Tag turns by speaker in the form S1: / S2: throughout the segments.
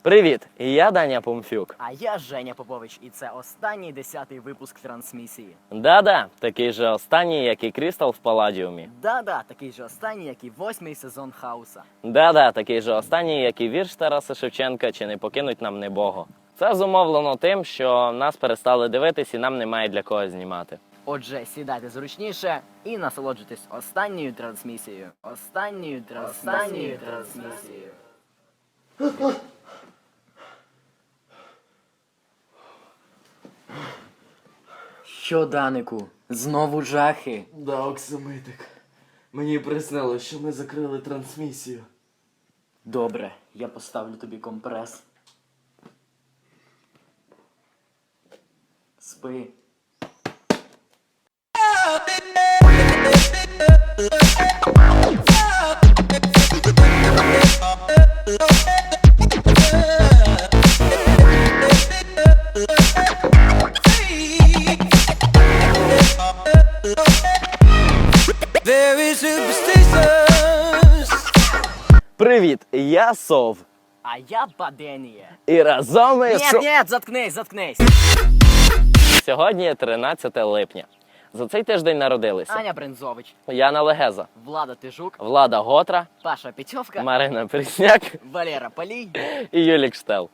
S1: Привіт, я Даня Помфюк.
S2: А я Женя Попович, і це останній 10-й випуск трансмісії.
S1: Да-да, такий же останній, як і Крістал в Паладіумі.
S2: Да-да, такий же останній, як і 8-й сезон Хауса.
S1: Да-да, такий же останній, як і вірш Тараса Шевченка «Чи не покинуть нам небого». Це зумовлено тим, що нас перестали дивитись і нам немає для кого знімати.
S2: Отже, сідайте зручніше і насолоджуйтесь останньою трансмісією. Останньою трансмісією. Що, Данику, знову жахи?
S3: Да, Оксамитик. Мені приснилось, що ми закрили трансмісію.
S2: Добре, я поставлю тобі компрес. Спи.
S1: Привіт, я Сов.
S2: А я Баденія.
S1: І разом ми...
S2: Ні, заткнись.
S1: Сьогодні 13 липня. За цей тиждень народилися
S2: Аня Брензович,
S1: Яна Легеза,
S2: Влада Тижук,
S1: Влада Готра,
S2: Паша Петьовка,
S1: Марина Прісняк
S2: Валера Полій.
S1: і Юлік Штел.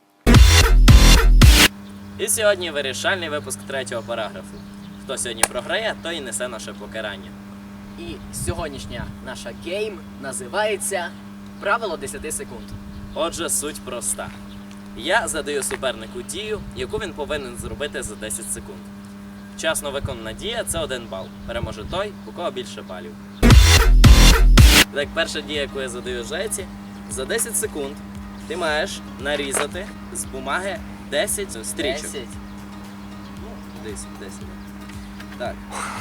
S1: І сьогодні вирішальний випуск третього параграфу. Хто сьогодні програє, той і несе наше покарання.
S2: І сьогоднішня наша гейм називається «Правило 10 секунд».
S1: Отже, суть проста. Я задаю супернику дію, яку він повинен зробити за 10 секунд. Вчасно виконана дія – це 1 бал. Переможе той, у кого більше балів. Так, перша дія, яку я задаю Жеці, за 10 секунд ти маєш нарізати з бумаги 10 стрічок.
S2: 10.
S1: 10. Так.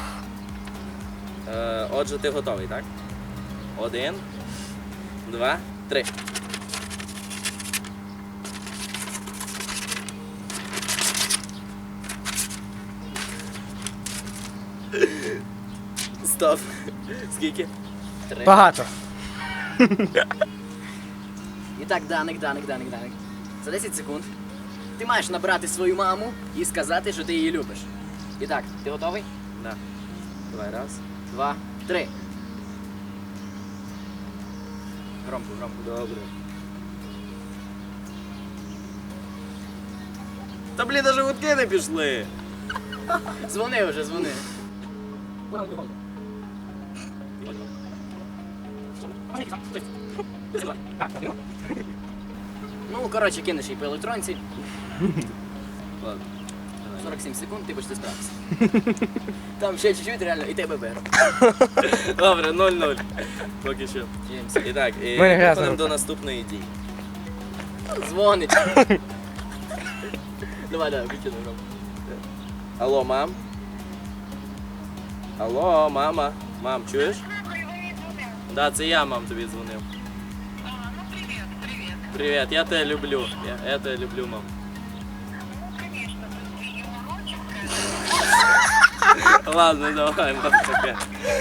S1: Отже, ти готовий, так? 1, 2, 3. Стоп. Скільки?
S2: 3.
S4: Багато.
S2: І так, Даник. За 10 секунд ти маєш набрати свою маму і сказати, що ти її любиш. І так, ти готовий?
S1: Да. Давай, раз.
S2: 2, 3. Громко.
S1: Добре. Та блін, даже гудки не пішли.
S2: Дзвони вже. Ну, коротше, кинеш її по електронці.
S1: Ладно.
S2: 47 секунд, ти почти справився. Там ще чуть-чуть, реально, і тебе беру.
S1: Добре, 0-0. Поки що.
S2: Чимся.
S1: І так,
S4: Мене грязна
S1: переходимо
S4: рука.
S1: до наступної дії.
S2: Дзвонить. Давай, вичину громко.
S1: Алло, мам? Алло, мама? Мам, чуєш? Да, це я, мам, тобі дзвонив. Привет, я тебя люблю. Я тебя люблю, мам. Ладно, давай, мам, пока.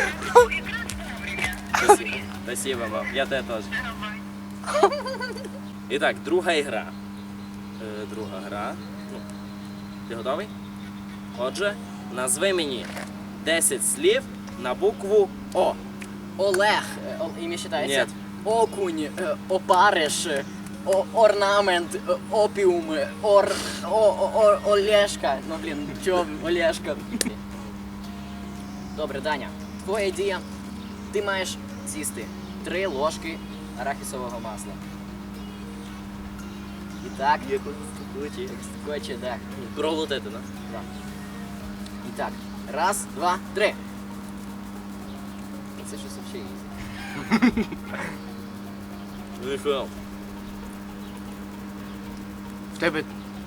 S1: Спасибо, мам. Я тебя тоже. Итак, друга ігра. Друга гра. Ну, ти готовий? Отже, назви мені 10 слів на букву О.
S2: Олег, ім'я читається?
S1: Ні.
S2: Окунь, опариш, орнамент, опіум, Олешка. Ну, блін, чого Олешка? Добре, Даня, твоя дія. Ти маєш з'їсти 3 ложки арахісового масла. І так, скоче, так.
S1: Проглотити, да?
S2: Да. І так, 1, 2, 3. Це щось взагалі ізі.
S1: Ніхуя.
S4: В тебе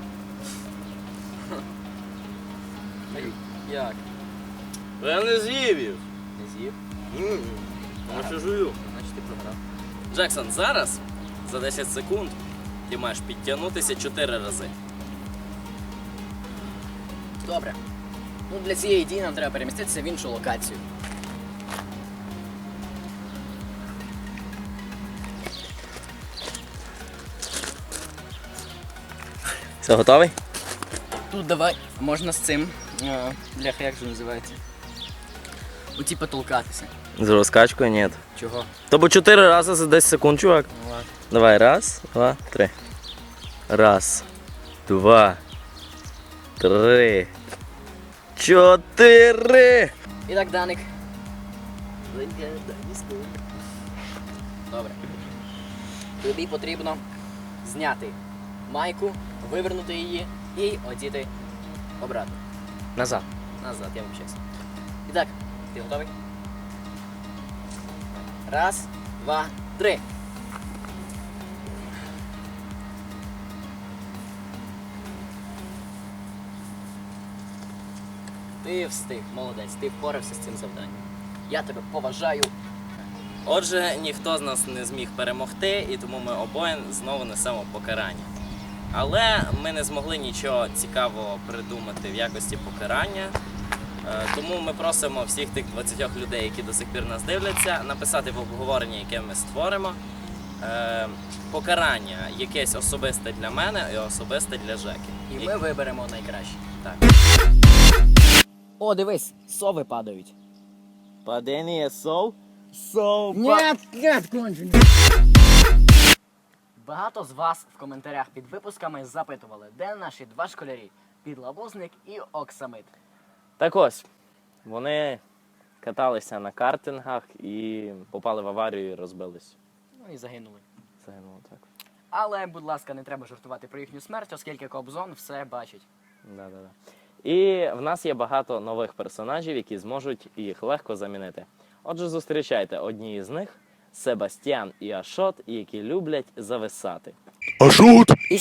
S2: Як?
S1: Я не з'їв їх.
S2: Не з'їв?
S1: Я ще жую.
S2: Значить ти програв.
S1: Джексон, зараз за 10 секунд ти маєш підтягнутися 4 рази.
S2: Добре. Ну, для цієї дії нам треба переміститися в іншу локацію.
S1: Все, готовий?
S2: Тут давай, можна з цим. Бляха, як же називається? Оті потолкатися.
S1: З розкачкою ні.
S2: Чого?
S1: Тобто 4 рази за 10 секунд, чувак.
S2: Ну ладно.
S1: Давай, раз, два, три. Раз, два, три, 4.
S2: І так, Даник. Добре. Тобі потрібно зняти майку, вивернути її і одіти обратно.
S1: Назад.
S2: Назад, я вибачаюся. І так, ти готовий? Раз, два, три. Ти встиг, молодець, ти впорався з цим завданням. Я тебе поважаю.
S1: Отже, ніхто з нас не зміг перемогти, і тому ми обоє знову несемо покарання. Але ми не змогли нічого цікавого придумати в якості покарання. Тому ми просимо всіх тих 20 людей, які до сих пір нас дивляться, написати в обговоренні, яке ми створимо, покарання якесь особисте для мене і особисте для Жеки.
S2: І ми виберемо найкраще.
S1: Так.
S2: О, дивись, сови падають.
S1: Падіння сов?
S2: Нет, кончено. Багато з вас в коментарях під випусками запитували, де наші два школярі – Підлабузник і Оксамит.
S1: Так ось, вони каталися на картингах і попали в аварію і розбились.
S2: Ну і загинули.
S1: Загинуло так.
S2: Але, будь ласка, не треба жартувати про їхню смерть, оскільки Кобзон все бачить.
S1: Да-да-да. І в нас є багато нових персонажів, які зможуть їх легко замінити. Отже, зустрічайте одні із них – Себастьян і Ашот, які люблять зависати.
S2: І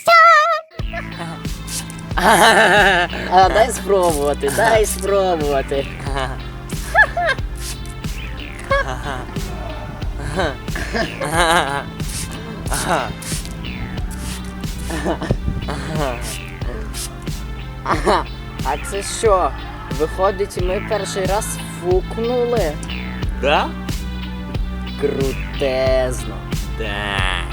S2: дай спробувати, дай спробувати. А це що? Виходить, ми перший раз фукнули?
S1: Да?
S2: Крутезно.
S1: Да.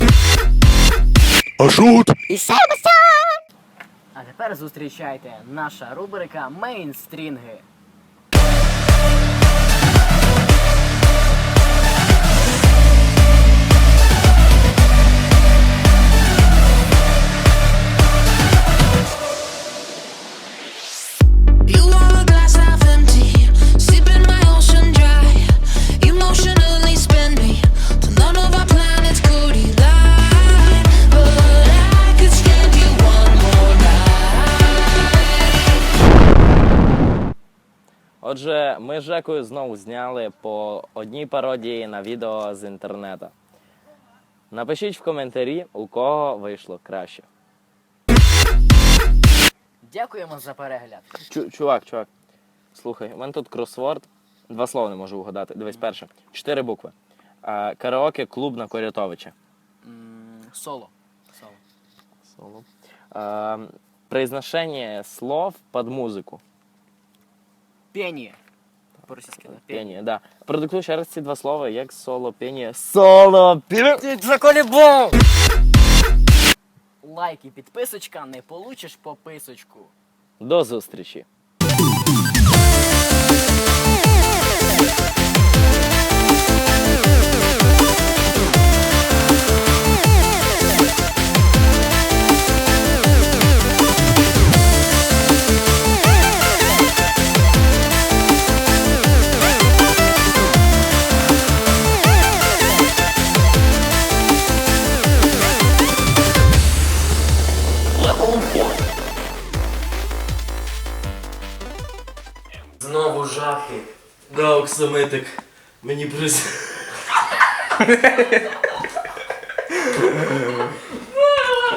S2: І А тепер зустрічайте наша рубрика «Мейнстрінги».
S4: You are a glass half empty, sipping my ocean dry. Emotionally spend me till none of our planets could align. But I could stand you one more night.
S1: Отже, ми з Жекою знову зняли по одній пародії на відео з інтернету. Напишіть в коментарі, у кого вийшло краще.
S2: Дякуємо за перегляд.
S1: Чувак, слухай, у мене тут кросворд. 2 слова не можу угадати. Дивись, перше. 4 букви. Караоке клуб на Корятовича.
S2: Соло.
S1: Соло. Произношение слов под музику.
S2: Пение. По-російськи, да?
S1: Пение, да. Продиктуй ще раз ці 2 слова, як соло, пение. Соло, пение.
S2: Ти заколебав! Лайк і підписочка, не получиш пописочку.
S1: До зустрічі.
S3: Знову жахи. Да, Оксамитик. Мені